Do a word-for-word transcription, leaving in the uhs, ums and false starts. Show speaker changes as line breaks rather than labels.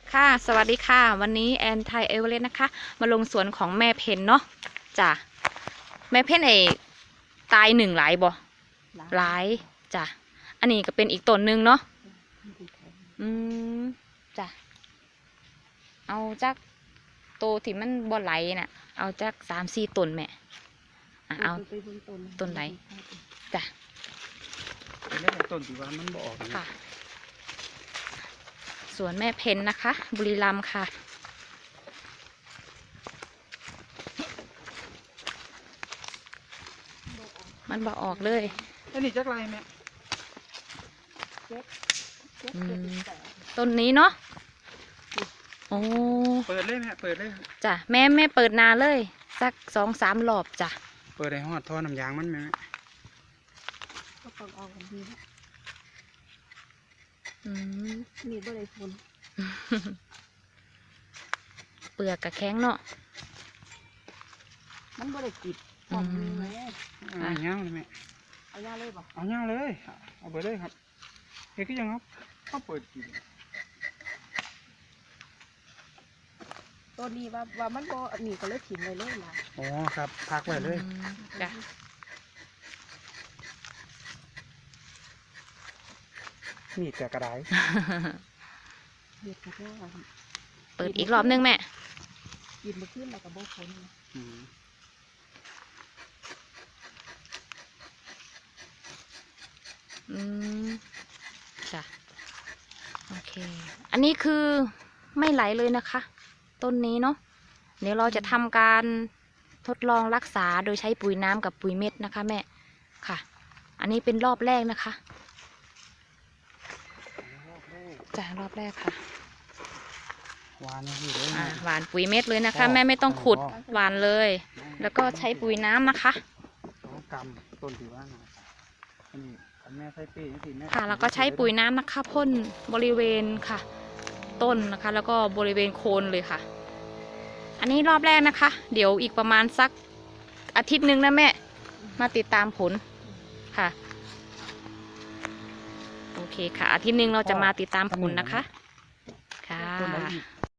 ค่ะสวัสดีค่ะวันนี้แอนไทยเอเวอเรสต์นะคะมาลงสวนของแม่เพนเนาะจ้ะแม่เพนไอตายหนึ่งหลายบ่หลายจ้ะอันนี้ก็เป็นอีกต้นหนึ่งเนาะอืมจ้ะเอาจากโตที่มันบ่ไหลน่ะเอาจากสามสี่ต้นแม่อ่ะเอาต้นไหนจ้ะ
เป็นได้ต้นที่ว่ามันบ่ออก
ค่ะสวนแม่เพนนะคะบุรีรัมย์ค่ะมันบ่ออกเลย
อันนี้จักไรแม่
ต้นนี้เนาะโอ้
เปิดเลยแม่เปิดเลย
จ้ะแม่แม่เปิดนาเลยสักสองสามรอบจ้ะ
เปิดให้หอดท่อน้ำยางมันแม่
ก็ต้องเอากันดีนะ
อืม
มีบ่ได้ฝุ่น
เปลือกกระแข็งเนาะ
มันบ่ได้กิดออกมือไหม
เอาเงาเลยแม่
เอาเงาเลยบ่
เอาเงาเลยเอาเปิดเลยครับเฮ้ยก็ยังครับเขาเปิดกิน
ตัวนี้ว่าว่ามันบ่หนีก็เลยถิ่มเลยเลยล่ะ
อ๋อครับพักไว้เลย
จ้ะ
นี่แต่กระได
เด็ดกระด้าง
เปิดอีกรอบนึงแม่
กินมาขึ้นแล้วก็บ่พ้น
อืมจ้ะโอเคอันนี้คือไม่ไหลเลยนะคะต้นนี้เนาะเดี๋ยวเราจะทำการทดลองรักษาโดยใช้ปุ๋ยน้ำกับปุ๋ยเม็ดนะคะแม่ค่ะอันนี้เป็นรอบแรกนะคะจ้ะรอบแรกค่ะ
หวานนี่เลย
อ่าหวานปุ๋ยเม็ดเลยนะคะแม่ไม่ต้องขุดหวานเลยแล้วก็ใช้ปุ๋ยน้ำนะคะ
กำต้นถือว่าอันนี้แม่ใช้ปีนี่แม่
ค่ะแล้วก็ใช้ปุ๋ยน้ำนะคะพ่นบริเวณค่ะต้นนะคะแล้วก็บริเวณโคนเลยค่ะอันนี้รอบแรกนะคะเดี๋ยวอีกประมาณสักอาทิตย์นึงนะแม่มาติดตามผลค่ะโอเคค่ะอาทิตย์นึงเราจะมาติดตามผลนะคะ